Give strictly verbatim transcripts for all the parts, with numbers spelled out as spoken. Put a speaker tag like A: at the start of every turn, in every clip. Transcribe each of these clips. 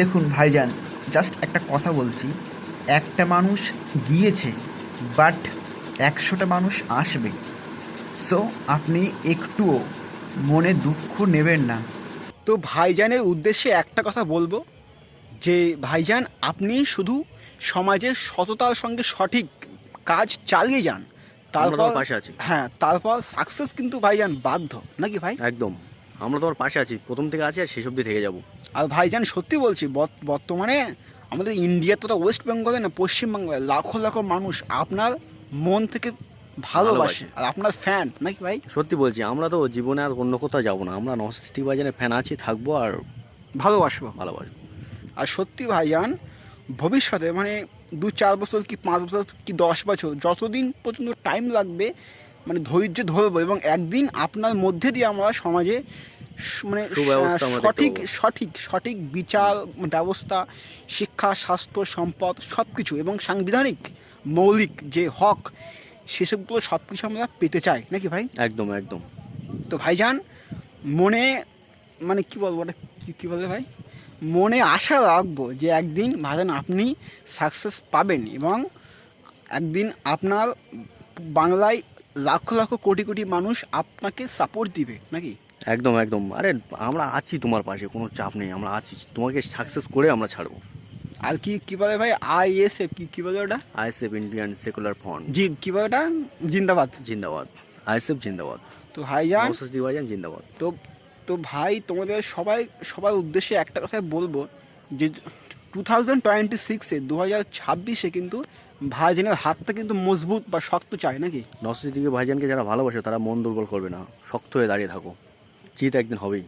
A: দেখুন ভাইজান, জাস্ট একটা কথা বলছি, একটা মানুষ গিয়েছে বাট একশোটা মানুষ আসবে। সো আপনি একটুও মনে দুঃখ নেবেন না।
B: তো ভাইজানের উদ্দেশ্যে একটা কথা বলবো যে ভাইজান আপনি শুধু সমাজের সততার সঙ্গে সঠিক কাজ চালিয়ে যান,
C: আমরা
B: তারপর
C: তোমার পাশে আছি।
B: হ্যাঁ তারপর সাকসেস কিন্তু ভাইজান বাধ্য নাকি ভাই।
C: একদম, আমরা তোমার পাশে আছি, প্রথম থেকে আছি আর শেষ অবধি থেকে যাব।
B: আর ভাইজান সত্যি বলছি, বর্ত- বর্তমানে আমাদের ইন্ডিয়া তথা ওয়েস্ট বেঙ্গলে না, পশ্চিমবাংলায় লাখো লাখো মানুষ আপনার মন থেকে ভালোবাসে
C: ভালোবাসে।
B: আর আপনার ফ্যান নাকি ভাই।
C: সত্যি বলছি, আমরা তো জীবনে আর অন্য কোথাও যাবো না, আমরা নস্টি বাজারের ফ্যান আছি, থাকবো আর
B: ভালোবাসবো।
C: ভালোবাসবো।
B: আর সত্যি ভাইজান ভবিষ্যতে মানে দু চার বছর কি পাঁচ বছর কি দশ বছর যতদিন পর্যন্ত টাইম লাগবে, মানে ধৈর্য ধরবো এবং একদিন আপনার মধ্যে দিয়ে আমরা সমাজে স- মানে
C: সুব্যবস্থা আমরা দেখতে
B: সঠিক
C: পাবো।
B: সঠিক সঠিক বিচার ব্যবস্থা, শিক্ষা, স্বাস্থ্য, সম্পদ সব কিছু এবং সাংবিধানিক মৌলিক যে হক সেসবগুলো সব কিছু আমরা পেতে চাই নাকি ভাই।
C: একদম একদম।
B: তো ভাইজান মনে মানে কি বলবো ওটা কি- কি বলে ভাই, মনে আশা রাখবো যে একদিন ভাইজান আপনি সাকসেস পাবেন এবং একদিন আপনার বাংলায় লাখো লাখো কোটি কোটি মানুষ আপনাকে সাপোর্ট দিবে নাকি।
C: একদম একদম, আরে আমরা আছি তোমার পাশে, কোনো চাপ নেই, আমরা আছি, তোমাকে সাকসেস করে আমরা ছাড়বো।
B: আর কি কি বলে ভাই, আই এস এফ কি কি বলে ওটা,
C: আইএসএফ ইন্ডিয়ান সেকুলার ফ্রন্ট
B: জি কি বলে ওটা, জিন্দাবাদ।
C: জিন্দাবাদ। আইএসএফ জিন্দাবাদ।
B: তো ভাইজান
C: নস্টি বাজার জিন্দাবাদ।
B: তো তো ভাই তোমাদের সবাই সবার উদ্দেশ্যে একটা কথাই বলবো যে টু থাউজেন্ড টোয়েন্টি সিক্সে দু হাজার ছাব্বিশে কিন্তু ভাইজানের হাতটা কিন্তু মজবুত বা শক্ত চাই নাকি।
C: নস্টিকে ভাইজানকে যারা ভালোবাসে তারা মন দুর্বল করবে না, শক্ত হয়ে দাঁড়িয়ে থাকো, জিত একদিন হবেই,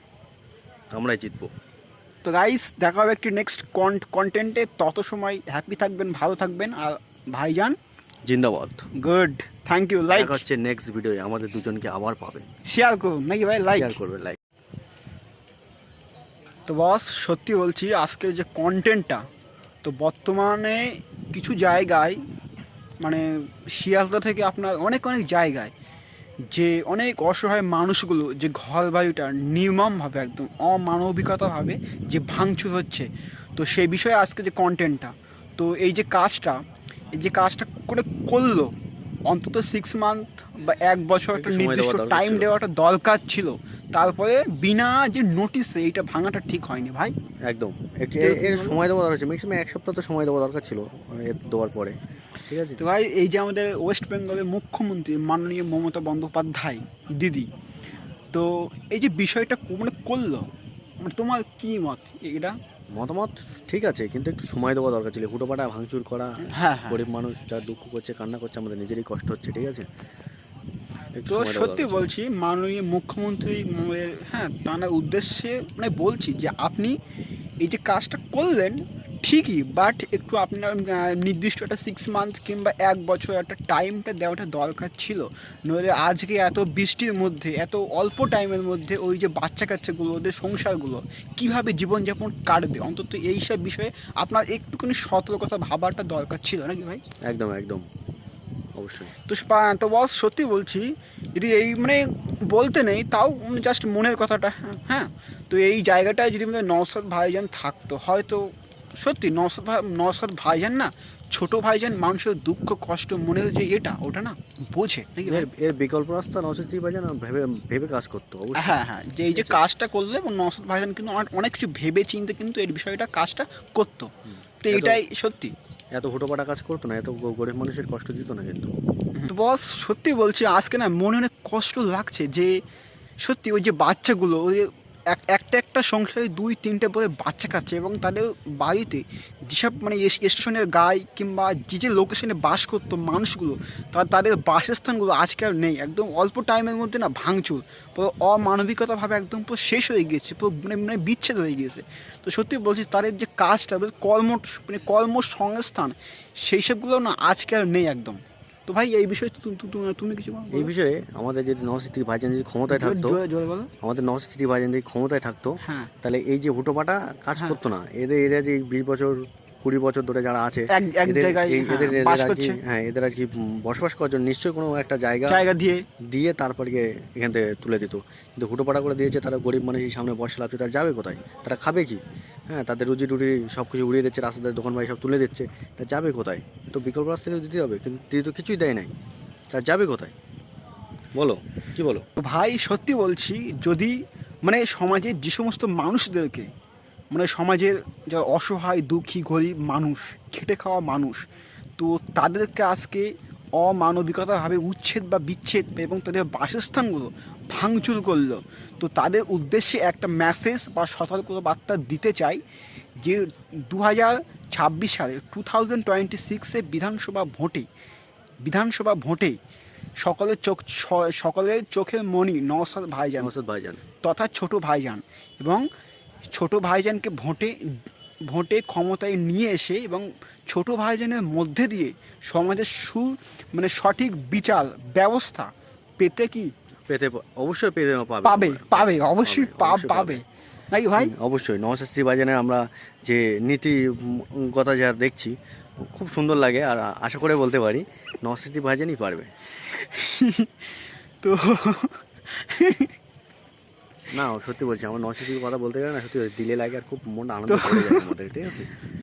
C: আমরাই জিতবো।
B: তো গাইস দেখা হবে একটি নেক্সট কন্টেন্টে, তত সময় হ্যাপি থাকবেন, ভালো থাকবেন আর ভাইজান
C: জিন্দাবাদ।
B: Good, thank you. লাইক
C: দেখা হচ্ছে নেক্সট ভিডিওয়ে, আমাদের দুজনকে আবার পাবে।
B: শেয়ার করুন নাকি ভাই, লাইক।
C: শেয়ার করবে, লাইক।
B: তো বস সত্যি বলছি আজকের যে কন্টেন্টটা, তো বর্তমানে কিছু জায়গায় মানে শিয়ালদা থেকে আপনার অনেক অনেক জায়গায় যে অনেক অসহায় মানুষগুলো যে ঘর বাড়িটা নির্মমভাবে একদম অমানবিকতাভাবে যে ভাঙচুর হচ্ছে, তো সেই বিষয়ে আজকে যে কন্টেন্টটা, তো এই যে কাজটা এই যে কাজটা করে করলো অন্তত সিক্স মান্থ বা এক বছর একটা
C: একটু সময়
B: নির্দিষ্ট
C: দেওয়া দরকার
B: টাইম
C: ছিল।
B: দেওয়াটা দরকার ছিল, তারপরে বিনা যে নোটিসে এইটা ভাঙাটা ঠিক হয়নি ভাই।
C: একদম, একটু এর- এর সময় দেওয়া দরকার ছিল, ম্যাক্সিমাম এক সপ্তাহ তো সময় দেওয়া দরকার ছিল এর দেওয়ার পরে, ঠিক আছে।
B: তো ভাই এই যে আমাদের ওয়েস্ট বেঙ্গলের মুখ্যমন্ত্রী মাননীয় মমতা বন্দ্যোপাধ্যায় দিদি, তো এই যে বিষয়টা কো- মানে করলো, মানে তোমার কি মত এটা।
C: মতামত ঠিক আছে, কিন্তু একটু সময় দেওয়া দরকার ছিল, হুটোপাটা ভাঙচুর করা,
B: হ্যাঁ হ্যাঁ।
C: গরিব মানুষ যা দুঃখ করছে, কান্না করছে, আমাদের নিজেরই কষ্ট হচ্ছে, ঠিক আছে। একটু
B: তো
C: সময় দেওয়া
B: সত্যি
C: দরকার ছিল।
B: বলছি মাননীয় মুখ্যমন্ত্রী ম- হ্যাঁ তার উদ্দেশ্যে মানে বলছি যে আপনি এই যে কাজটা করলেন ঠিকই, বাট একটু আপনার আহ, নির্দিষ্ট একটা সিক্স মান্থ কিংবা এক বছর একটা টাইমটা দেওয়াটা দরকার ছিল। নইলে আজকে এত বৃষ্টির মধ্যে এত অল্প টাইমের মধ্যে ওই যে বাচ্চা কাচ্চাগুলো ওদের সংসারগুলো কীভাবে জীবনযাপন কাটবে, অন্তত এইসব বিষয়ে আপনার একটুখানি সতর্কতা ভাবাটা দরকার ছিল নাকি ভাই।
C: একদম একদম, অবশ্যই।
B: তো স্পা- তো বস সত্যি বলছি, যদি এই মানে বলতে নেই তাও জাস্ট মনের কথাটা, হ্যাঁ। তো এই জায়গাটায় যদি আমাদের নওশাদ ভাইজান থাকতো হয়তো সত্যি নওশাদ ভাই নওশাদ ভাইজান না, ছোট ভাইজান মানুষের দুঃখ কষ্ট মনের যে এটা ওটা না বোঝে নাকি ভাই?
C: এর এর বিকল্প রাস্তা নশো বাজার ভেবে ভেবে কাজ করতো, অবশ্যই।
B: হ্যাঁ হ্যাঁ, যে এই যে কাজটা করলে এবং নওশাদ ভাইজান কিন্তু অনেক অনেক কিছু ভেবে চিন্তে কিন্তু এই বিষয়টা কাজটা করতো। তো
C: এত-
B: এটাই সত্যি।
C: এত হুটোপাটা কাজ করতো না, এত গ- গরিব মানুষের কষ্ট দিত না কিন্তু।
B: তো বস সত্যি বলছি আজকে না মনে অনেক কষ্ট লাগছে যে সত্যি ওই যে বাচ্চাগুলো ওই যে এক- একটা একটা সংসারে দুই তিনটে করে বাচ্চা খাচ্ছে এবং তাদের বাড়িতে যেসব মানে এস- স্টেশনের গায়ে কিংবা যে যে লোকেশনে বাস করতো মানুষগুলো, তার তাদের বাসস্থানগুলো আজকে আর নেই, একদম অল্প টাইমের মধ্যে না ভাঙচুর, পুরো অমানবিকতাভাবে একদম পুরো শেষ হয়ে গিয়েছে, পুরো মানে মানে বিচ্ছেদ হয়ে গিয়েছে। তো সত্যি বলছি তাদের যে কাজটা ওদের কর্ম মানে কর্মসংস্থান সেই সবগুলো না আজকে আর নেই একদম। তো ভাই এই বিষয়ে তু- তু- তু- তুমি কিছু বলো?
C: এই বিষয়ে আমাদের যদি নশো ভাইজান যদি ক্ষমতায়
B: জোরে-
C: থাকতো,
B: জোরে জোরে বলো।
C: আমাদের নশো ভাইজান যদি ক্ষমতায় থাকতো,
B: হ্যাঁ
C: তাহলে এই যে হুটোপাটা কাজ
B: হ্যাঁ।
C: করতো না, এদের এরা যে বিশ বছর কুড়ি বছর ধরে যারা আছে
B: এক এক
C: এদের
B: জায়গায়
C: এই-
B: হ্যাঁ,
C: এদের এদের
B: বাস
C: আর কি
B: করছে,
C: হ্যাঁ এদের আর কি উম, বসবাস করার জন্য নিশ্চয়ই কোনো একটা জায়গা
B: জায়গা দিয়ে।
C: দিয়ে তারপর গিয়ে এখান থেকে তুলে দিত, কিন্তু হুটোপাটা করে দিয়েছে, তারা গরিব মানুষের সামনে বসে লাভছে, তারা যাবে কোথায়, তারা খাবে কি? হ্যাঁ, তাদের রুজি টুটি সব কিছু উড়িয়ে দিচ্ছে, রাস্তাতে দোকান বাড়ি সব তুলে দিচ্ছে, তা যাবে কোথায়? তো বিকল্প রাস্তা তো দিতে হবে, কিন্তু দিদি তো কিছুই দেয় নাই, তা যাবে কোথায় বলো, কি বলো?
B: তো ভাই সত্যি বলছি, যদি মানে সমাজের যে সমস্ত মানুষদেরকে, মানে সমাজের যারা অসহায় দুঃখী গরিব মানুষ, খেটে খাওয়া মানুষ, তো তাদেরকে আজকে অমানবিকতাভাবে উচ্ছেদ বা বিচ্ছেদ এবং তাদের বাসস্থানগুলো ভাঙচুর করলো, তো তাদের উদ্দেশ্যে একটা মেসেজ বা সতর্কবার্তা দিতে চাই যে দু হাজার ছাব্বিশ সালে টু থাউজেন্ড টোয়েন্টি সিক্সে বিধানসভা ভোটে বিধানসভা ভোটে সকলের চোখ স- সকলের চোখের মণি নওশাদ ভাইজান
C: নওশাদ ভাইজান
B: তথা ছোট ভাইজান, এবং ছোট ভাইজানকে ভোটে ভোটে ক্ষমতায় নিয়ে এসে এবং ছোট ভাইজানের মধ্যে দিয়ে সমাজের সু মানে সঠিক বিচার ব্যবস্থা পেতে কি
C: পেতে পা- অবশ্যই পেতে পাবে
B: পাবে পাবে অবশ্যই
C: পাবে,
B: পা-
C: অবশ্যই
B: পাবে নাকি ভাই?
C: হুম, অবশ্যই নওশাদ ভাইজানের আমরা যে নীতিগত যা দেখছি খুব সুন্দর লাগে, আর আশা করে বলতে পারি নওশাদ ভাইজানই পারবে।
B: তো
C: না সত্যি বলছি, আমার নওশাদ কথা বলতে গেলে না সত্যি দিলে লাগে, আর খুব মনটা আনন্দ করে যায় আমাদের, ঠিক আছে।